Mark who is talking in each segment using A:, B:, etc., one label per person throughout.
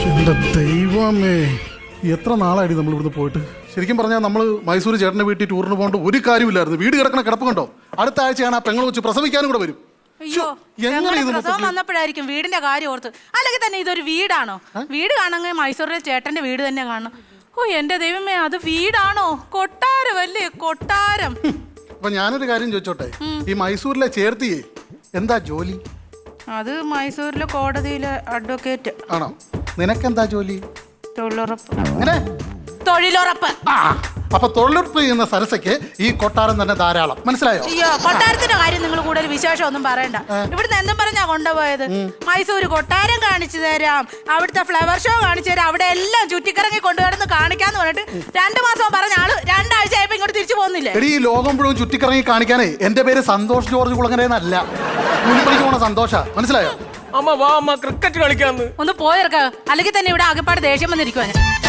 A: എന്റെ ദൈവമേ, എത്ര നാളായി നമ്മൾ ഇവിടുന്ന് പോയിട്ട്. ശരിക്കും പറഞ്ഞാൽ നമ്മൾ മൈസൂർ ചേട്ടൻ്റെ വീട്ടിൽ ടൂറിന് പോകേണ്ട ഒരു കാര്യമില്ലായിരുന്നു. വീട് കിടക്കണ കിടപ്പ് കണ്ടോ. അടുത്ത ആഴ്ചയാണ് ആ പെങ്ങൾ വെച്ച് പ്രസവിക്കാനും കൂടെ വരും.
B: അയ്യോ, പ്രസവം വന്നപ്പോഴായിരിക്കും വീടിന്റെ കാര്യം ഓർത്ത്. അല്ലെങ്കിൽ തന്നെ ഇതൊരു വീടാണോ? വീട് കാണണമെങ്കിൽ മൈസൂരിലെ ചേട്ടന്റെ വീട് തന്നെ കാണണം. ഓ എന്റെ ദൈവമേ, അത് വീടാണോ? കൊട്ടാരം അല്ലേ, കൊട്ടാരം.
A: അപ്പൊ ഞാനൊരു കാര്യം ചോദിച്ചോട്ടെ, ഈ മൈസൂരിലെ ചേർത്തിയേ എന്താ ജോലി?
B: അത് മൈസൂരിലെ കോടതിയിലെ അഡ്വക്കേറ്റ്.
A: ആണോ? നിനക്കെന്താ ജോലി?
B: തൊഴിലുറപ്പ്.
A: അങ്ങനെ
B: തൊഴിലുറപ്പ്.
A: അപ്പൊ തൊഴിലുറപ്പ് ചെയ്യുന്ന സരസയ്ക്ക് ഈ കൊട്ടാരം തന്നെ ധാരാളം. മനസ്സിലായോ?
B: അയ്യോ, കൊട്ടാരത്തിന്റെ കാര്യം നിങ്ങൾ കൂടുതൽ വിശേഷം ഒന്നും പറയണ്ട. ഇവിടുന്ന് എന്തും പറഞ്ഞാ കൊണ്ടുപോയത്? മൈസൂര് കൊട്ടാരം കാണിച്ചു തരാം, അവിടുത്തെ ഫ്ലവർ ഷോ കാണിച്ചു തരാം, അവിടെ എല്ലാം ചുറ്റിക്കറങ്ങി കൊണ്ടുവരുന്ന കാണിക്കാന്ന് പറഞ്ഞിട്ട് 2 മാസം പറഞ്ഞ ആള് 2 ആഴ്ച ആയപ്പോ ഇങ്ങോട്ട് തിരിച്ചു പോകുന്നില്ലേ?
A: എടി, ഈ ലോകം മുഴുവൻ ചുറ്റിക്കറങ്ങി കാണിക്കാനേ എന്റെ പേര് സന്തോഷ് ജോർജ് കുളങ്ങരയെന്നല്ല. കൂലിപ്പണിക്ക് പോണ സന്തോഷ. മനസ്സിലായോ?
C: അമ്മ വാ, അമ്മ ക്രിക്കറ്റ് കളിക്കാന്ന്.
B: ഒന്ന് പോയിറക്ക, അല്ലെങ്കിൽ തന്നെ ഇവിടെ ആകെപ്പാട് ദേഷ്യം വന്നിരിക്കുവാ.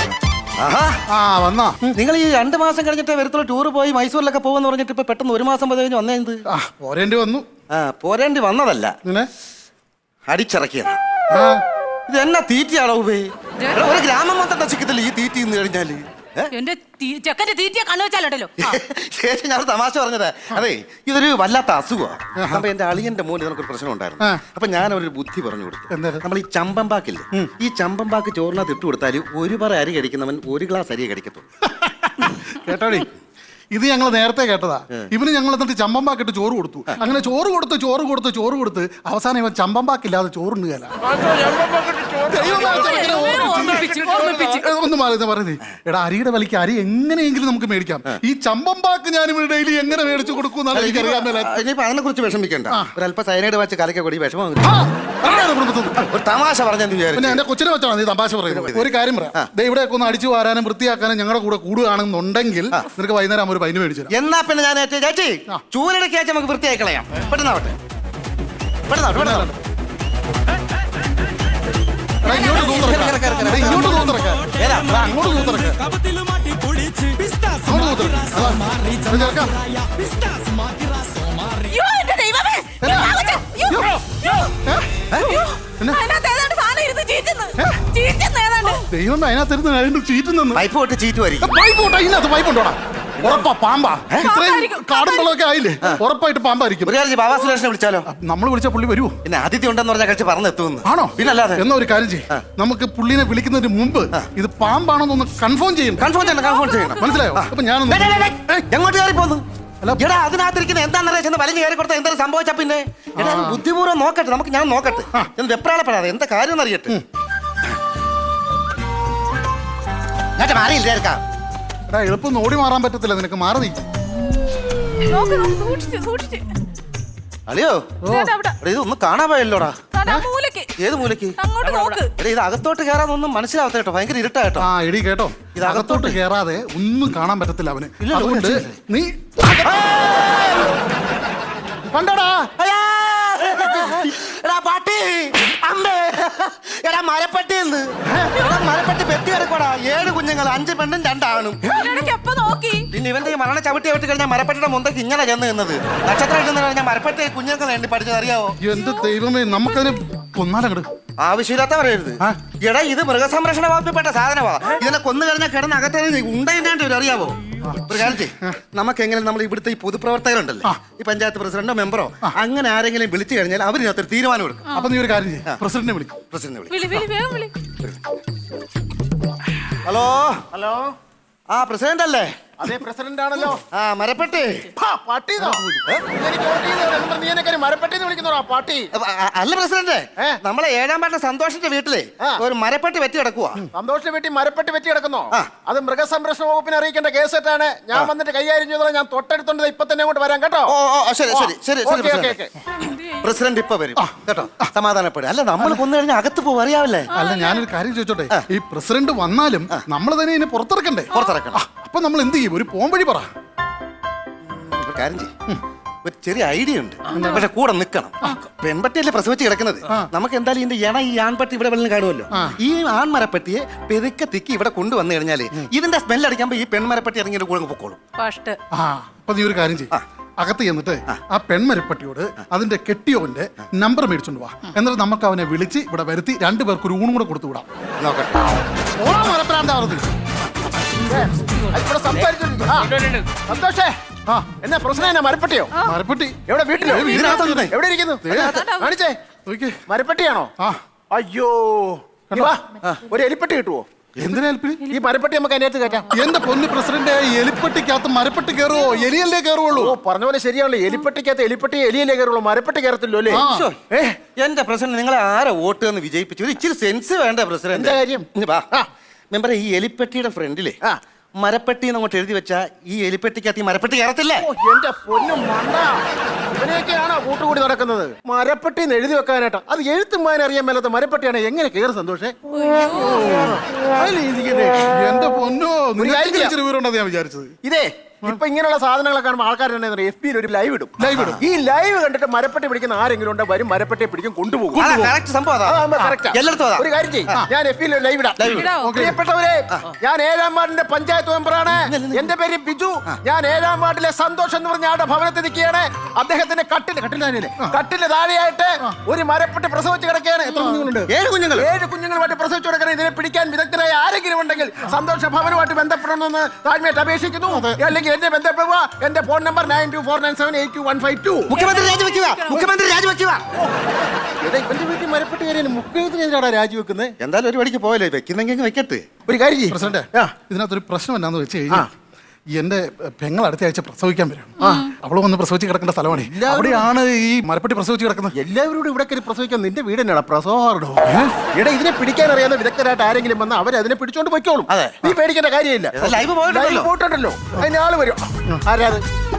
A: വന്നാ
D: നിങ്ങൾ ഈ 2 മാസം കഴിഞ്ഞിട്ട് വരത്തുള്ള ടൂർ പോയി മൈസൂരിലൊക്കെ പോകുമെന്ന് പറഞ്ഞിട്ട് ഇപ്പൊ പെട്ടെന്ന് 1 മാസം കഴിഞ്ഞ് വന്നേന്ത്?
A: പോരേണ്ടി വന്നു.
D: പോരേണ്ടി വന്നതല്ല, അടിച്ചിറക്കിയതാ. ഇത് എന്നാ തീറ്റയാണോ? ഒരു ഗ്രാമം മൊത്തം നശിക്കത്തില്ല ഈ തീറ്റി നിന്ന് കഴിഞ്ഞാല്.
B: എന്റെ ചെക്കന്റെ തീറ്റിയെ കണ്ണു വെച്ചാലോട്ടല്ലോ.
D: ശേഷം ഞാൻ തമാശ പറഞ്ഞത്. അതെ, ഇതൊരു വല്ലാത്ത അസുഖമാണ്. അപ്പൊ എന്റെ അളിയന്റെ മോന് നമുക്കൊരു പ്രശ്നം ഉണ്ടായിരുന്നു. അപ്പൊ ഞാൻ ഒരു ബുദ്ധി പറഞ്ഞു കൊടുത്തു. നമ്മൾ ഈ ചമ്പമ്പാക്കില്ലേ, ഈ ചമ്പമ്പാക്ക് ചോറിനകത്ത് ഇട്ട് കൊടുത്താൽ 1 പറ അരി കഴിക്കുന്നവൻ 1 ഗ്ലാസ് അരിയെ കഴിക്കത്തുള്ളൂ.
A: കേട്ടോടി, ഇത് ഞങ്ങൾ നേരത്തെ കേട്ടതാ. ഇവന് ഞങ്ങൾ എന്നിട്ട് ചമ്പമ്പാക്കിട്ട് ചോറ് കൊടുത്തു. അങ്ങനെ ചോറ് കൊടുത്ത് അവസാനം ഇവൻ ചമ്പമ്പാക്കില്ലാതെ ചോറുണ്ടുകയല്ല. ഒന്ന് പറയുന്നേ, എടാ, അരിയുടെ വിലയ്ക്ക് അരി എങ്ങനെയെങ്കിലും നമുക്ക് മേടിക്കാം. ഈ ചമ്പമ്പാക്ക് ഞാൻ ഇവിടെ ഡെയിലി എങ്ങനെ മേടിച്ചു കൊടുക്കും?
D: ഇനിയിപ്പോ അതിനെ കുറിച്ച് വിഷമിക്കണ്ട. ഒരല്പ സൈനൈഡ് വെച്ച് കലക്കൂടി വിഷമം. ഒരു തമാശ പറഞ്ഞാൽ
A: പിന്നെ എന്റെ കൊച്ചിനെ വെച്ചാണ് നീ തമാശ പറയുന്നത്. ഒരു കാര്യം പറയാം, ഇവിടെയൊക്കെ ഒന്ന് അടിച്ചു വാരാനും വൃത്തിയാക്കാനും ഞങ്ങളുടെ കൂടെ കൂടുകയാണെന്നുണ്ടെങ്കിൽ നിനക്ക് വൈകുന്നേരം ഒരു പൈന് മേടിച്ചു.
D: എന്നാ പിന്നെ ഞാൻ ചേച്ചി ചൂരടക്കി വെച്ച് നമുക്ക് വൃത്തിയായി കളയാം. പെട്ടെന്നാവട്ടെ.
A: ദൈവം അതിനകത്തിരുന്ന് ചീറ്റുന്നു.
D: പൈപ്പ് തൊട്ട് ചീറ്റുമായിരിക്കും.
A: അതിനകത്ത് പൈപ്പുണ്ടോടാ? ഉറപ്പാ പാമ്പാ. ഇത്രയും കാടും വെള്ളമൊക്കെ ആയില്ലേ, ഉറപ്പായിട്ട് പാമ്പായിരിക്കും.
D: ബാബാ സുരേഷിനെ വിളിച്ചാലോ?
A: നമ്മൾ വിളിച്ച പുള്ളി വരുമോ?
D: പിന്നെ അതിഥി ഉണ്ടെന്ന് പറഞ്ഞാൽ കഴിച്ച് പറഞ്ഞെത്തുന്നു.
A: ആണോ?
D: പിന്നല്ലാതെ.
A: എന്നാ ഒരു കാര്യം ചെയ്യും, നമുക്ക് പുള്ളിനെ വിളിക്കുന്നതിന് മുമ്പ് ഇത് പാമ്പാണോന്നൊന്ന് കൺഫേം ചെയ്യണം. മനസ്സിലായോ? അപ്പൊ ഞാനൊന്ന്
D: എങ്ങോട്ട് കയറി പോന്നു? എടാ, അതിനകത്തിരിക്കുന്ന എന്താണെന്ന് വലിഞ്ഞു കയറി കൊടുത്താൽ എന്തായാലും സംഭവിച്ചാ പിന്നെ ബുദ്ധിപൂർവ്വം നോക്കട്ടെ. ഞാൻ നോക്കട്ടെ, എന്ന് വെപ്രാളപ്പെടാതെ എന്താ കാര്യം എന്നറിയട്ടെ. മാറിയില്ലേക്കാം.
A: എടാ, എളുപ്പം ഓടി മാറാൻ പറ്റത്തില്ല നിനക്ക്. മാറി നീ.
D: അളിയോ, ഇതൊന്നും കാണാൻ പോയല്ലോടാ. ഏത് മൂലക്ക്? ഇത് അകത്തോട്ട് കയറാതൊന്നും മനസ്സിലാവത്ത കേട്ടോ. ഭയങ്കര ഇരുട്ടാട്ടോ.
A: എടി കേട്ടോ, ഇത് അകത്തോട്ട് കയറാതെ ഒന്നും കാണാൻ പറ്റത്തില്ല അവന്. അതുകൊണ്ട് നീ കണ്ടോടാ.
D: പാട്ടി അമ്മേ, എടാ മരപ്പെട്ടി മരപ്പെട്ടി പെട്ടി കിടക്കോടാ. 7 കുഞ്ഞുങ്ങൾ, 5 പെണ്ണും 2 ആണും. പിന്നെ ഇവന്റെ ഈ മരണ ചവിട്ടി വിട്ട് കഴിഞ്ഞാൽ മരപ്പെട്ടിയുടെ മുന്തക്ക് ഇങ്ങനെ ചെന്ന് നിന്നത്. നക്ഷത്രം ഇട്ടെന്ന് കഴിഞ്ഞാൽ മരപ്പെട്ടി കുഞ്ഞുങ്ങൾക്ക് വേണ്ടി പഠിച്ചത് അറിയാവോ?
A: എന്ത് ദൈവമേ, നമുക്കതിന് കൊന്നാലങ്ങട്
D: ആവശ്യമില്ലാത്ത പറയരുത്. എടാ, ഇത് മൃഗസംരക്ഷണ വകുപ്പിൽപ്പെട്ട സാധനമാ. ഇതിനെ കൊന്നു കഴിഞ്ഞാൽ കിടന്ന് അകത്തേക്ക് ഉണ്ടായിട്ട് ഒരു അറിയാവോ? ഒരു കാലത്ത് നമുക്ക് എങ്ങനെ നമ്മൾ ഇവിടുത്തെ ഈ പൊതുപ്രവർത്തകരുണ്ടല്ലോ, ഈ പഞ്ചായത്ത് പ്രസിഡന്റോ മെമ്പറോ അങ്ങനെ ആരെങ്കിലും വിളിച്ചു കഴിഞ്ഞാൽ അവരിനകത്തൊരു തീരുമാനം എടുക്കും.
A: അപ്പൊ നീ ഒരു കാര്യം ചെയ്യും, പ്രസിഡന്റിനെ വിളിക്കും.
D: ഹലോ ഹലോ, പ്രസിഡന്റ് അല്ലേ?
E: അതെ, പ്രസിഡന്റ് ആണല്ലോ.
D: മരപ്പെട്ടി
E: മരപ്പെട്ടി വിളിക്കുന്നോ പാട്ടി?
D: അല്ല പ്രസിഡന്റ്, നമ്മളെ 7-ാം വാർഡ് സന്തോഷിന്റെ വീട്ടിലെ ഒരു മരപ്പെട്ടി വെറ്റി കിടക്കുക.
E: സന്തോഷിന്റെ വീട്ടിൽ മരപ്പെട്ടി വെറ്റി കിടക്കുന്നോ? അത് മൃഗസംരക്ഷണ വകുപ്പിനെ അറിയിക്കേണ്ട കേസാണ്. ഞാൻ വന്നിട്ട് കൈകാര്യം ചെയ്തോളാം. ഞാൻ തൊട്ടടുത്തോണ്ട് ഇപ്പൊ തന്നെ അങ്ങോട്ട് വരാം കേട്ടോ.
D: ശരി ശരി ശരി. പ്രസിഡന്റ് ഇപ്പൊ വരും കേട്ടോ. സമാധാനപ്പെടും. അല്ല, നമ്മൾ കൊന്നു കഴിഞ്ഞാൽ അകത്ത് പോകും, അറിയാവല്ലേ?
A: അല്ല, ഞാനൊരു കാര്യം ചോദിച്ചോട്ടെ, ഈ പ്രസിഡന്റ് വന്നാലും നമ്മൾ തന്നെ ഇതിനെ പുറത്തിറക്കണ്ടേ? അപ്പൊ നമ്മൾ എന്ത് ചെയ്യും? ഒരു പോംവഴി പറ.
D: കാര്യം ചെയ്യും, ഒരു ചെറിയ ഐഡിയ ഉണ്ട്. പക്ഷെ കൂടെ നിൽക്കണം. പെൺപട്ടിയല്ലേ പ്രസവിച്ച് കിടക്കുന്നത്. നമുക്ക് എന്തായാലും ഇതിന്റെ ഈ ആൺപട്ടി ഇവിടെ വെള്ളം കാണുമല്ലോ. ഈ ആൺമരപ്പട്ടിയെ പെതുക്കെ തിക്കി ഇവിടെ കൊണ്ടുവന്നു കഴിഞ്ഞാല് ഇതിന്റെ സ്മെല്ല് അടിക്കുമ്പോ ഈ പെൺമരപ്പട്ടി ഇറങ്ങിയ കൂടെ പൊക്കോളും.
A: അപ്പൊ നീ ഒരു കാര്യം ചെയ്യും, അകത്ത് ചെന്നിട്ട് ആ പെൺമരപ്പട്ടിയോട് അതിന്റെ കെട്ടിയോന്റെ നമ്പർ മേടിച്ചോണ്ട് വാ. എന്നിട്ട് നമുക്ക് അവനെ വിളിച്ച് ഇവിടെ വരുത്തി രണ്ടുപേർക്ക് ഒരു ഊണും കൂടെ കൊടുത്തു വിടാം.
D: നോക്കട്ടെ.
E: ഇവിടെ സംസാരിച്ചോണ്ടിരിക്കും. സന്തോഷേ,
A: ആ
E: എന്നാ പ്രശ്നം എന്നാ? മരപ്പട്ടിയോ?
A: മരപ്പട്ടി
E: എവിടെ? വീട്ടിലോ?
A: ഇതിനകത്ത്
E: എവിടെ ഇരിക്കുന്നു? കാണിച്ചേ.
A: നോക്കിയേ.
E: മരപ്പട്ടിയാണോ?
A: ആ
E: അയ്യോ, നീ വാ. ഒരു എലിപ്പട്ടി കിട്ടുവോ?
A: എന്തിനാ എലിപ്പട്ടി?
E: ഈ മരപ്പട്ടി നമുക്ക് അതിനകത്ത് കയറ്റാം.
A: എന്റെ പൊന്ന് പ്രസിഡന്റ്, എലിപ്പട്ടിക്കകത്ത് മരപ്പട്ടി കയറുവോ? എലിയല്ലേ കയറുള്ളൂ.
E: ഓ, പറഞ്ഞ പോലെ ശരിയാണല്ലോ. എലിപ്പട്ടിക്കകത്ത് എലിപ്പട്ടി എലിയല്ലേ കയറുള്ളൂ, മരപ്പട്ടി കയറത്തില്ലോ അല്ലേ?
A: ആ.
D: ശ്ശോ, എന്റെ പ്രസിഡന്റ് നിങ്ങളെ ആരെ വോട്ട് എന്ന് വിജയിപ്പിച്ചു? ഒരു ഇച്ചിരി സെൻസ് വേണ്ട പ്രസിഡന്റ്?
E: എന്താ കാര്യം?
D: മെമ്പറെ, ഈ എലിപ്പെട്ടിയുടെ ഫ്രണ്ടിലെ
E: ആ.
D: മരപ്പെട്ടി അങ്ങോട്ട് എഴുതി വെച്ചാ ഈ എലിപ്പെട്ടിക്കകത്ത് ഈ മരപ്പെട്ടി കയറത്തില്ലേ?
E: ഓ, എന്റെ പൊന്നും മണ്ട, ഇവനെയൊക്കെയാണോ കൂട്ടുകൂടി നടക്കുന്നത്? മരപ്പട്ടി എന്ന് എഴുതി വെക്കാനായിട്ടാ. അത് എഴുത്തും വായന അറിയാൻ മേലാത്ത മരപ്പട്ടിയാണ് എങ്ങനെ കയറി? സന്തോഷേ,
A: എന്റെ പൊന്നോ,
E: കാര്യം ചെയ്യാം.
A: ഇച്ചിരി വീറുണ്ടെന്ന് ഞാൻ വിചാരിച്ചത്.
E: ഇതേ ഇപ്പൊ ഇങ്ങനെയുള്ള സാധനങ്ങളൊക്കെ കാണുമ്പോൾ ആൾക്കാർ എഫ് ബിയിൽ ഒരു ലൈവ് ഇടും. ഈ ലൈവ് കണ്ടിട്ട് മരപ്പട്ടി പിടിക്കുന്ന ആരെങ്കിലും ഉണ്ട്, വരും മരപ്പട്ടിയെ പിടിക്കും, കൊണ്ടുപോകും.
D: correct സംഭവം അതാ.
E: അതാകുമ്പോ correct ആ.
D: എല്ലായിടത്തും അതാ.
E: ഒരു കാര്യം ചെയ്യും, ഞാൻ എഫ് ബിയിൽ ലൈവ് ഇടാം.
B: ഇടാം.
E: പ്രിയപ്പെട്ടവരെ, ഞാൻ 7ാം വാർഡിന്റെ പഞ്ചായത്ത് മെമ്പറാണ്. എന്റെ പേര് ബിജു. ഞാൻ 7ാം വാർഡിലെ സന്തോഷം എന്ന് പറഞ്ഞ ആളുടെ ഭവനത്തിൽ നിൽക്കുകയാണ്. അദ്ദേഹത്തിന്റെ കട്ടില് താഴെയായിട്ട് ഒരു മരപ്പട്ടി പ്രസവിച്ച് കിടക്കുകയാണ്. എത്ര കുഞ്ഞുങ്ങളുണ്ട്?
D: 7 കുഞ്ഞുങ്ങൾ.
E: 7 കുഞ്ഞുങ്ങളുമായിട്ട് പ്രസവിച്ചു കിടക്കണം. ഇതിനെ പിടിക്കാൻ വിദഗ്ധരായ ആരെങ്കിലും ഉണ്ടെങ്കിൽ സന്തോഷ ഭവനുമായിട്ട് ബന്ധപ്പെടണമെന്ന് താഴ്മയായിട്ട് അപേക്ഷിക്കുന്നു. അല്ലെങ്കിൽ എന്നെ ബന്ധപ്പെടുക. എന്റെ ഫോൺ നമ്പർ 9249782152.
D: മുഖ്യമന്ത്രി രാജിവെക്കുക. മുഖ്യമന്ത്രി രാജിവെക്കുക.
E: ഇവന്റെ വീട്ടിൽ മരപ്പെട്ട് കയറിയാണ് മുഖ്യമന്ത്രിയാണ് രാജിവെക്കുന്നത്.
D: എന്തായാലും ഒരു വഴിക്ക് പോയല്ലേ, വെക്കുന്നെങ്കിൽ വെക്കട്ടെ.
E: ഒരു കാര്യം ചെയ്യ്.
A: പ്രസിഡന്റ്, ഇതിനകത്തൊരു പ്രശ്നം എന്നാന്ന് വെച്ച് കഴിഞ്ഞാൽ എന്റെ പെങ്ങൾ അടുത്ത ആഴ്ച പ്രസവിക്കാൻ വരും. അവള് വന്ന് പ്രസവിച്ച് കിടക്കേണ്ട സ്ഥലമാണ്. അവിടെയാണ് ഈ മരപ്പട്ടി പ്രസവിച്ച് കിടക്കുന്നത്.
E: എല്ലാവരോടും ഇവിടെ കയറി പ്രസവിക്കാൻ നിന്റെ വീട് തന്നെയാണ് പ്രസവമാർഡോ? ഇവിടെ ഇതിനെ പിടിക്കാൻ അറിയാവുന്ന വിദഗ്ധരായിട്ട് ആരെങ്കിലും വന്ന് അവർ അതിനെ പിടിച്ചോണ്ട് പോയിക്കോളും.
D: അതെ.
E: നീ പേടിക്കേണ്ട കാര്യമില്ല.
D: ലൈവ് പോയിട്ടുണ്ടല്ലോ.
E: പോയിട്ടുണ്ടല്ലോ, അതിന് ആള് വരും. ആരാത്?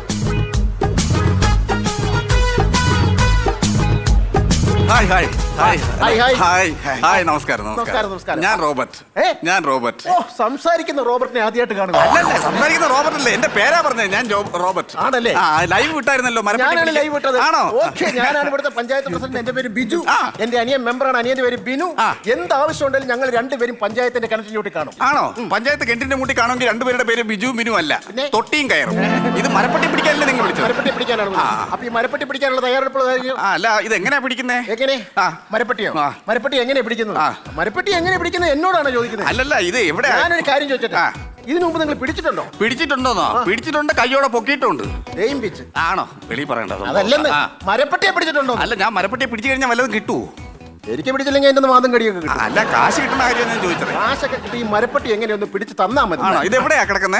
F: Hi hi hi
E: hi, hi.
F: Hi hi നമസ്കാരം
E: നമസ്കാരം, നമസ്കാരം.
F: ഞാൻ റോബർട്ട്.
E: ഏ?
F: ഞാൻ റോബർട്ട്.
E: ഓ, സംസാരിക്കുന്ന റോബർട്ടിനെ ആദ്യമായിട്ട് കാണുക.
F: അല്ലല്ല, സംസാരിക്കുന്ന റോബർട്ട് അല്ലേ, എന്റെ പേരാ പറഞ്ഞത്. ഞാൻ റോബർട്ട്.
E: ആണല്ലേ?
F: ആ, ലൈവ് വിട്ടായിരുന്നല്ലോ മരപ്പട്ടി
E: ഞാനാണ്
F: പിടിക്കാൻ.
E: ലൈവ് വിട്ടത്.
F: ആണോ?
E: ഓക്കേ, ഞാനാണ് ഇവിടുത്തെ പഞ്ചായത്ത് പ്രസിഡന്റ്. എന്റെ പേര് ബിജു.
F: ആ.
E: എന്റെ അനിയൻ മെമ്പറാണ്. അനിയന്റെ പേര് ബിനു.
F: ആ.
E: എന്ത് ആവശ്യം ഉണ്ടെങ്കിലും ഞങ്ങൾ രണ്ടുപേരും പഞ്ചായത്തിന്റെ കിണറ്റിലൂട്ടി കാണും.
F: ആണോ? പഞ്ചായത്ത് കെട്ടിന്റെ മുട്ടി കാണുമെങ്കിൽ രണ്ടുപേരുടെ പേര് ബിജു ബിനു അല്ല,
E: പിന്നെ?
F: തൊട്ടിയും കയറും. ഇത് മരപ്പട്ടി പിടിക്കാനല്ലേ നിങ്ങൾ വിളിച്ചത്?
E: മരപ്പെട്ടി പിടിക്കാനാണ് വിളിച്ചത്. അപ്പൊ ഈ മരപ്പെട്ടി പിടിക്കാനുള്ള തയ്യാറെടുപ്പ്
F: ആ, അല്ല, ഇത് എങ്ങനെയാ പിടിക്കുന്നേ?
E: എങ്ങനെ?
F: ആ.
E: മരപ്പെട്ടിയോ?
F: ആ.
E: മരപ്പെട്ടി എങ്ങനെ പിടിക്കുന്നത്?
F: ആ.
E: മരപ്പെട്ടി എങ്ങനെ പിടിക്കുന്നത് എന്നോടാണ് ചോദിക്കുന്നത്.
F: അല്ലല്ല, ഇത് എവിടെ
E: ഞാനൊരു കാര്യം ചോദിച്ചിട്ട്,
F: ആ.
E: ഇതിനു മുമ്പ് നിങ്ങൾ പിടിച്ചിട്ടുണ്ടോ?
F: പിടിച്ചിട്ടുണ്ടോന്നോ? പിടിച്ചിട്ടുണ്ട്, കയ്യോടെ പൊക്കിയിട്ടുണ്ട്.
E: ദെയ്യം പിച്ച്.
F: ആണോ? വെളി പറയണ്ട.
E: അതല്ലെന്ന്,
F: ആ.
E: മരപ്പെട്ടിയെ പിടിച്ചിട്ടുണ്ടോ?
F: അല്ല, ഞാൻ മരപ്പട്ടിയെ പിടിച്ചു കഴിഞ്ഞാൽ വല്ലതും കിട്ടുമോ?
E: എനിക്ക് പിടിച്ചില്ലെങ്കിൽ എന്റെ വാദം കടിയൊക്കെ കിട്ടും.
F: അല്ല, കാശ് കിട്ടുന്ന കാര്യം ഞാൻ ചോദിച്ചത്.
E: കാശൊക്കെ കിട്ടി ഈ മരപ്പെട്ടി എങ്ങനെയൊന്ന് പിടിച്ച് തന്നാ മതി.
F: ആണോ? ഇത് എവിടെയാ കിടക്കുന്നേ?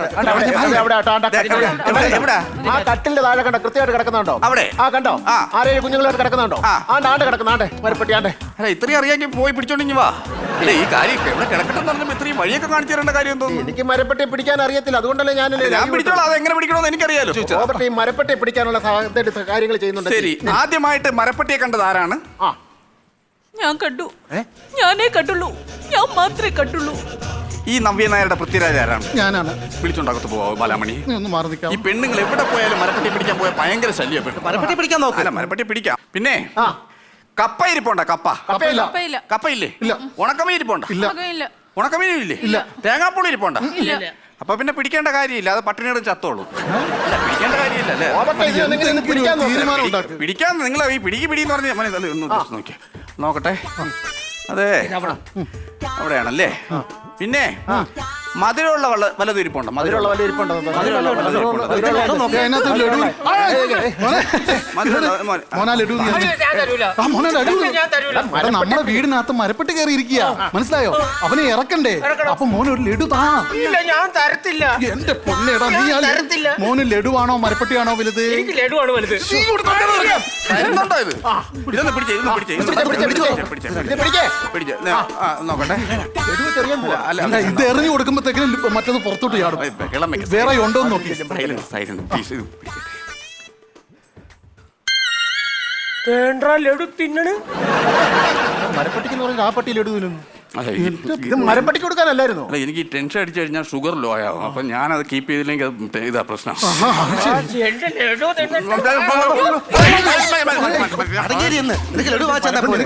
F: എവിടെ?
E: ആ കട്ടിലിന്റെ താഴെ കണ്ടോ? കൃത്യമായിട്ട് കിടക്കുന്നുണ്ടോ?
F: അവിടെ.
E: ആ കണ്ടോ?
F: ആ.
E: 6-7 കുഞ്ഞുങ്ങളായിട്ട് കിടക്കുന്നുണ്ടോ?
F: ആ.
E: ആണ്ട് കിടക്കുന്നാണ്ട് മരപ്പെട്ടി ആണ്ട്.
F: അല്ല, ഇത്രയും അറിയാമെങ്കിൽ പോയി പിടിച്ചോണ്ടിങ്ങി വാ. അല്ല, ഈ കാര്യം എവിടെ കിടക്കട്ടെന്ന് പറഞ്ഞപ്പോൾ ഇത്രയും വഴിയൊക്കെ കാണിച്ചു തരേണ്ട കാര്യം തോന്നുന്നു.
E: എനിക്ക് മരപ്പെട്ടി പിടിക്കാൻ അറിയത്തില്ല, അതുകൊണ്ടല്ലേ
F: ഞാൻ പിടിച്ചോളാം. അത് എങ്ങനെ പിടിക്കണമെന്ന് എനിക്കറിയാലോ.
E: റോബർട്ട് ഈ മരപ്പെട്ടി പിടിക്കാനുള്ള കാര്യങ്ങൾ ചെയ്യുന്നുണ്ട്.
F: ശരി, ആദ്യമായിട്ട് മരപ്പട്ടിയെ കണ്ടത് ആരാണ്?
E: ആ,
B: ഞാൻ കണ്ടു. ഞാനേ കണ്ടുള്ളൂ. ഞാൻ മാത്രമേ കണ്ടുള്ളൂ.
F: ഈ നവ്യ നായരുടെ പൃഥ്വിരാജ് ആരാണ്?
A: ഞാനാണ്.
F: വിളിച്ചോണ്ടകത്ത് പോവാ ബാലാമണി.
A: നീ ഒന്ന് മാറി നിൽക്കാം.
F: ഈ പെണ്ണുങ്ങൾ എവിടെ പോയാലും മരപ്പട്ടി പിടിക്കാൻ പോയാൽ ഭയങ്കര ശല്യം.
D: മരപ്പെട്ടി പിടിക്കാൻ നോക്ക്.
F: അല്ല, മരപ്പട്ടി പിടിക്കാം. പിന്നെ
E: ആ.
F: കപ്പ ഇരിപ്പുണ്ട? കപ്പ
E: കപ്പയില്ല.
B: കപ്പയില്ല.
F: കപ്പയില്ലേ?
A: ഇല്ല.
F: ഉണക്കമീൻ ഇരിപ്പുണ്ട?
B: മകനില്ല.
F: ഉണക്കമീനും ഇല്ലേ? ഇല്ല. തേങ്ങാപ്പുളി ഇരിപ്പുണ്ട?
B: ഇല്ല.
F: അപ്പൊ പിന്നെ പിടിക്കേണ്ട കാര്യമില്ല, അത് പട്ടിണിയോട് ചത്തോളൂ. അല്ല, പിടിക്കേണ്ട കാര്യമില്ല അല്ലേ?
E: റോബർട്ട് ഇതിനെന്തെങ്കിലും പിടിക്കാൻ നോക്ക്.
A: തീരുമാനം ഉണ്ടാക്കി.
F: പിടിക്കാൻ നിങ്ങൾ ഈ പിടിന്ന് പറഞ്ഞ ഒന്ന് നോക്കിയ നോക്കട്ടെ. അതെ, അവിടെയാണല്ലേ. പിന്നെ മധുരമുള്ള വല്ലതും ഇരിപ്പുണ്ടോ?
E: മധുരമുള്ള വല്ല ഇരിപ്പുണ്ടോ?
A: അതിനകത്ത് ലഡു. മോനാ ലഡു നീ അടിച്ച്. ആ, മോനെ ലഡു. എടാ, നമ്മുടെ വീടിനകത്ത് മരപ്പെട്ട് കയറി ഇരിക്കുക, മനസ്സിലായോ? അവനെ ഇറക്കണ്ടേ? അപ്പൊ മോന് ഒരു ലഡു താ.
G: ഞാൻ തരത്തില്ല.
A: എന്റെ പൊന്നേടാ, നീ
G: തരത്തില്ല.
A: മോന് ലഡുവാണോ മരപ്പെട്ടിയാണോ വലുത്?
G: എനിക്ക് ലഡുവാണ് വലുത്.
F: എന്തുണ്ടോ ഇത്? ഇതൊന്ന് പിടിച്ചേ, ഇതൊന്ന് പിടിച്ചേ, നോക്കട്ടെ. അല്ല,
A: അല്ല, ഇത് എറിഞ്ഞു കൊടുക്കുമ്പോഴത്തേക്കും മറ്റത് പുറത്തോട്ട് ചാടും.
F: വെള്ളം വെക്ക്.
A: വേറെ ഉണ്ടോ എന്ന് നോക്കി.
F: Silent please. ഇത് പിടിക്കട്ടെ.
G: വേണ്ട ലഡു തിന്നണ്.
E: മരപ്പെട്ടിക്ക് പറഞ്ഞാൽ ആ പട്ടി ലഡു തിന്നുന്നു.
F: അതെ,
E: ഇത് മരപ്പെട്ടിക്ക് കൊടുക്കാനല്ലായിരുന്നു.
F: അല്ല, എനിക്ക് ടെൻഷൻ അടിച്ചു കഴിഞ്ഞാൽ ഷുഗർ ലോ ആവും. അപ്പൊ ഞാനത് കീപ്പ് ചെയ്തില്ലെങ്കിൽ അത് ഇതാ പ്രശ്നം.
G: എന്റെ ലഡു തിന്നിട്ട്
D: അടങ്ങിയിരിന്ന് നിനക്ക് ലഡു വാങ്ങിച്ചാ പോലെ.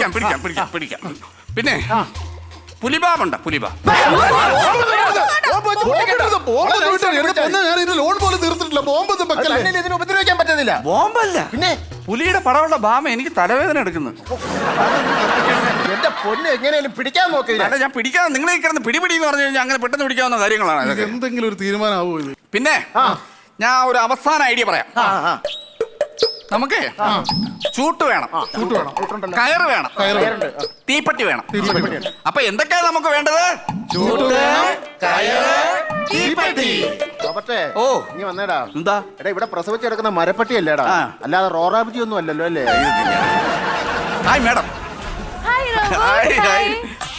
F: പിടിക്കാം. പിന്നെ പുലിബാബുണ്ട? പുലിബാ
A: പൊട്ടിക്കരുത്. ബോംബ് വീട്ടിൽ എന്റെ പൊന്നേ, ഞാൻ ഇതിന്റെ ലോൺ പോലും തീർത്തിട്ടില്ല. ബോംബ് ഒന്നും വെക്കല്ലേ.
E: തന്നെ ഇതിന് ഉപദ്രവിക്കാൻ പറ്റുന്നില്ല.
F: ബോംബല്ല പിന്നെ പുലിയുടെ പടമുള്ള ബാമ എനിക്ക് തലവേദന എടുക്കുന്നു.
E: എന്റെ പൊന്ന് എങ്ങനെയാലും പിടിക്കാൻ നോക്കില്ല.
F: അല്ല ഞാൻ പിടിക്കാൻ നിങ്ങളെ കിടന്ന് പിടിപിടി എന്ന് പറഞ്ഞു കഴിഞ്ഞാൽ അങ്ങനെ പെട്ടെന്ന് പിടിക്കാവുന്ന കാര്യങ്ങളാണ്
A: ഇത്
F: ഇതൊക്കെ.
A: എന്തെങ്കിലും ഒരു തീരുമാനമാവോ ഇത്?
F: പിന്നെ ഞാൻ ഒരു അവസാന ഐഡിയ പറയാം. നമുക്ക് ചൂട്ട് വേണം, കയറ് വേണം, തീപ്പെട്ടി വേണം. അപ്പൊ എന്തൊക്കെയാണ് നമുക്ക് വേണ്ടത്? ചൂട്ട്, കയറ്, തീപ്പെട്ടി.
E: റോബർട്ടേ,
F: ഓ
E: നീ വന്നേടാ.
F: എന്താ
E: എടാ ഇവിടെ പ്രസവിച്ചെടുക്കുന്ന മരപ്പട്ടിയല്ലേടാ, അല്ലാതെ റോറാബിജി ഒന്നും അല്ലല്ലോ അല്ലേ?
F: Hi madam.
B: Hi robo.
F: Hi, hi.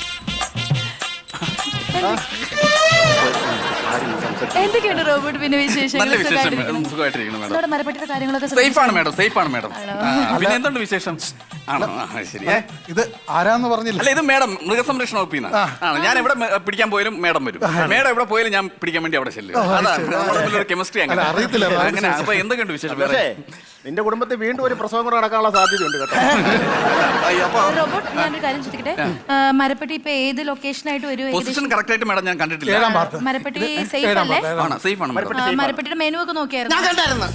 B: എന്തൊക്കെയുണ്ട് റോബോട്ട് പിന്നെ വിശേഷം?
F: നല്ല വിശേഷം madam. സുഖമായിട്ടിരിക്കുന്നു മാഡം.
B: മരപ്പറ്റിയുടെ കാര്യങ്ങളൊക്കെ
F: സേഫ് ആണ് മാഡം, സേഫ് ആണ് മാഡം. പിന്നെ എന്തുണ്ട് വിശേഷം? ആണോ? ശരി.
A: ഇത് ആരാന്ന് പറഞ്ഞില്ല.
F: അല്ല ഇത് മേഡം മൃഗസംരക്ഷണ വകുപ്പിൽ നിന്ന് ആണ്. ഞാൻ എവിടെ പിടിക്കാൻ പോയാലും മേഡം വരും. മേഡം എവിടെ പോയാലും ഞാൻ പിടിക്കാൻ വേണ്ടി അവിടെ ചെല്ലും. അതാണ് കെമിസ്ട്രി. അങ്ങനെ
A: അറിയത്തില്ല.
F: അങ്ങനെ. അപ്പൊ എന്തൊക്കെയുണ്ട് വിശേഷം?
E: പക്ഷേ നിന്റെ കുടുംബത്തിൽ വീണ്ടും ഒരു പ്രസവം കൂടെ നടക്കാനുള്ള സാധ്യതയുണ്ട് കേട്ടോ.
F: അപ്പൊ
B: റോബോട്ട് ഞാനൊരു കാര്യം ചോദിക്കട്ടെ, മരപ്പട്ടി ഇപ്പൊ ഏത് ലൊക്കേഷനായിട്ട് വരും?
F: പൊസിഷൻ കറക്റ്റ് ആയിട്ട് മേഡം ഞാൻ കണ്ടിട്ടില്ല.
A: 7-ാം പാർട്ട്.
B: മരപ്പട്ടി സേഫ് അല്ലേ?
F: ആണ്, സേഫ് ആണ് മേഡം.
B: മരപ്പട്ടിയുടെ മെനു ഒക്കെ നോക്കിയായിരുന്നു?
D: ഞാൻ കണ്ടായിരുന്നു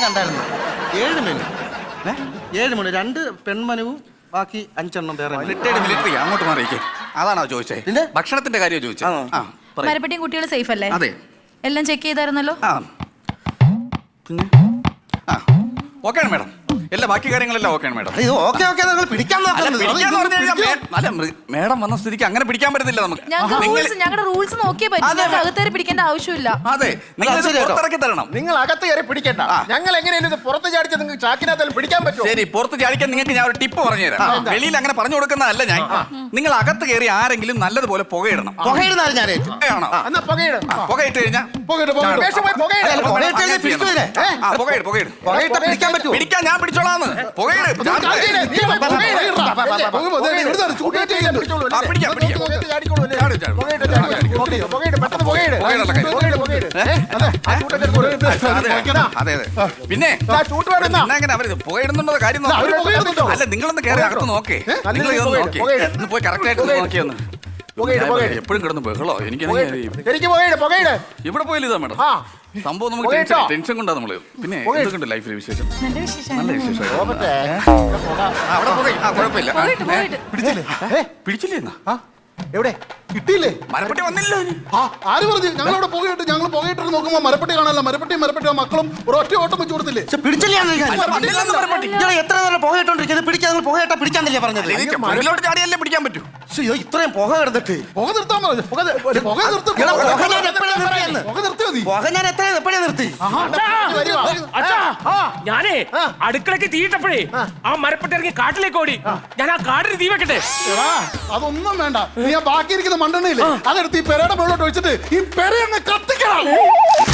D: 7 മെനു. 7 മെനു, 2 പെൺമനുവും ബാക്കി 5 എണ്ണം വേറെ menu.
F: മിലിറ്ററി അങ്ങോട്ട് മാറിയിരിക്കും. അതാണോ ചോദിച്ചേ?
D: പിന്നെ?
F: ഭക്ഷണത്തിന്റെ കാര്യം ചോദിച്ചേ? ആ, പറയ്.
B: മരപ്പട്ടിയും കുട്ടികളും സേഫ് അല്ലേ?
F: അതെ.
B: എല്ലാം ചെക്ക് ചെയ്തായിരുന്നല്ലോ?
F: ആ പിന്നെ ആ ഓക്കെ ആണ് മേഡം. എല്ലാ ബാക്കി കാര്യങ്ങളെല്ലാം ഓക്കെ ആണ് മേഡം.
D: ഇത് ഓക്കെ നിങ്ങൾ പിടിക്കാൻ
F: അല്ല,
D: നോക്കുന്നത്.
F: പിടിക്കാന്ന് പറഞ്ഞു കഴിഞ്ഞാൽ അല്ല മേഡം വന്ന സ്ഥിതിക്ക് അങ്ങനെ പിടിക്കാൻ പറ്റത്തില്ല നമുക്ക്.
B: ഞങ്ങളുടെ റൂൾസ് നോക്കിയേ പറ്റും. ഞങ്ങൾക്ക് അകത്തേറി പിടിക്കേണ്ട ആവശ്യമില്ല.
F: അതെ, നിങ്ങൾ
D: അത് ശരി കേട്ടോ.
F: പുറത്തിറക്കി തരണം.
E: നിങ്ങൾ അകത്ത് കയറി പിടിക്കണ്ട. ഞങ്ങൾ എങ്ങനെയാലും ഇത് പുറത്ത് ചാടിച്ച് നിങ്ങൾക്ക് ചാക്കിനകത്താലും പിടിക്കാൻ പറ്റുമോ?
F: ശരി, പുറത്ത് ചാടിക്കാൻ നിങ്ങൾക്ക് ഞാൻ ഒരു ടിപ്പ് പറഞ്ഞുതരാം. വെളിയിൽ അങ്ങനെ പറഞ്ഞു കൊടുക്കുന്നതല്ല ഞാൻ. നിങ്ങൾ അകത്ത് കയറി ആരെങ്കിലും നല്ലതുപോലെ പുകയിടണം.
D: പുകയിടുന്നാലും ഞാൻ ഏറ്റു.
F: പുകയാണോ?
E: എന്നാ പുകയിട്.
F: പുകയിട്ട് കഴിഞ്ഞാൽ
A: പോകട്ടെ, പോകട്ടെ.
E: വേഷം പോയി പുകയിട്.
D: അല്ല, പുകയിട്ട് കഴിഞ്ഞാൽ പിടിക്കൂലേ?
F: പുകയിട്.
D: പുകയിട്ട പിടിക്കാൻ പറ്റുമോ?
F: പിടിക്കാൻ ഞാൻ പിടിച്ചോളാന്ന്. പുകയിട്.
E: ചാടിയില്ലേ? നീ പോയി പുകയിട്.
A: ഇവിടുന്ന് ചൂടേറ്റ് ചെയ്യുന്നുണ്ട്.
F: ആ, പിടിക്കാം, പിടിക്കാം.
E: പുകയിട്ട് ചാടിക്കോളൂ അല്ലേ?
F: ചാടി, ചാടി.
E: പുകയിട്ട് ചാടി. പുകയിട്ട് പെട്ടെന്ന് പുകയിട്.
F: പുകയിടുള്ള കാര്യം.
E: പുകയിട്. അതെ, ആ ചൂട്ടൊക്കെ എടുത്തോളൂ.
F: അതെ. പിന്നെ
E: ആ ചൂട്ട് വേണം എന്നാ.
F: പിന്നെ അങ്ങനെ അവര് പുകയിടുന്നുണ്ടോ കാര്യം
E: അവര്
F: നോക്ക്.
E: പുകയിടുന്നുണ്ടോ?
F: അല്ല നിങ്ങളൊന്ന് കയറി അകത്ത് നോക്കേ. നിങ്ങൾ ഇതൊന്ന് നോക്കി ഒന്ന് പോയി കറക്റ്റ് ആയിട്ട് നോക്കിയൊന്ന്. എപ്പോഴും കിടന്ന് ബഹളോ എനിക്ക്
E: ശരിക്കും പുകയിട്. പുകയിട്.
F: ഇവിടെ പോയില്ല ഇതാ മേഡം.
E: ആ
F: സംഭവം നമുക്ക്
E: പുകയിട്ടോ?
F: ടെൻഷൻ കൊണ്ടാ നമ്മള്. പിന്നെ എന്തൊക്കെയുണ്ട് ലൈഫിലെ വിശേഷം?
B: നല്ല വിശേഷം.
F: നല്ല വിശേഷം.
E: റോബർട്ടേ,
F: അവിടെ പുകയും. ആ കുഴപ്പമില്ല.
B: പോയിട്ട്.
A: പിടിച്ചില്ലേ?
F: പിടിച്ചില്ലേ എന്നാ?
E: എവിടെ
A: കിട്ടിയില്ലേ?
F: മരപ്പെട്ടി വന്നില്ല ഇനി.
A: ആ, ആര് പറഞ്ഞു? ഞങ്ങൾ അവിടെ പുകയിട്ട് പുകയിട്ടിട്ട് നോക്കുമ്പോ മരപ്പെട്ടി കാണാനല്ല. മരപ്പെട്ടി മക്കളും ഒരൊറ്റ ഓട്ടം വെച്ച് കൊടുത്തില്ലേ?
D: പിടിച്ചില്ലാന്ന്
F: അല്ല, വന്നില്ലെന്ന് മരപ്പെട്ടി.
D: എത്ര നേരം പുകയിട്ടോണ്ടിരിക്കുന്നത്? പിടിക്കാൻ പുകയിട്ടാ പിടിക്കാന്നല്ലേ പറഞ്ഞത്?
F: എനിക്ക് മുകളിലോട്ട് ചാടിയല്ലേ പിടിക്കാൻ പറ്റൂ.
D: അയ്യോ, ഇത്രയും പുക കിടന്നിട്ട്
A: പുക നിർത്താൻ പറഞ്ഞു. പുക നിർത്തി.
D: എടാ, പുക ഞാൻ എപ്പോഴാ നിർത്തിയെന്ന്?
A: പുക നിർത്തിയാ മതി.
D: പുക ഞാൻ എപ്പോഴാ നിർത്തി?
G: അച്ഛാ, ഞാനേ അടുക്കളക്ക് തീയിട്ടപ്പോഴേ ആ മരപ്പെട്ടി ഇറങ്ങി കാട്ടിലേക്ക് ഓടി. ഞാൻ ആ കാടിന് തീ വെക്കട്ടെ?
A: എടാ, അതൊന്നും വേണ്ട. നീ ആ ബാക്കി ഇരിക്കുന്ന മണ്ണെണ്ണയില്ലേ, അതെടുത്ത് ഈ പെരയുടെ മുകളിലോട്ട് വെച്ചിട്ട് ഈ പെര അങ്ങ് കത്തിക്കണം.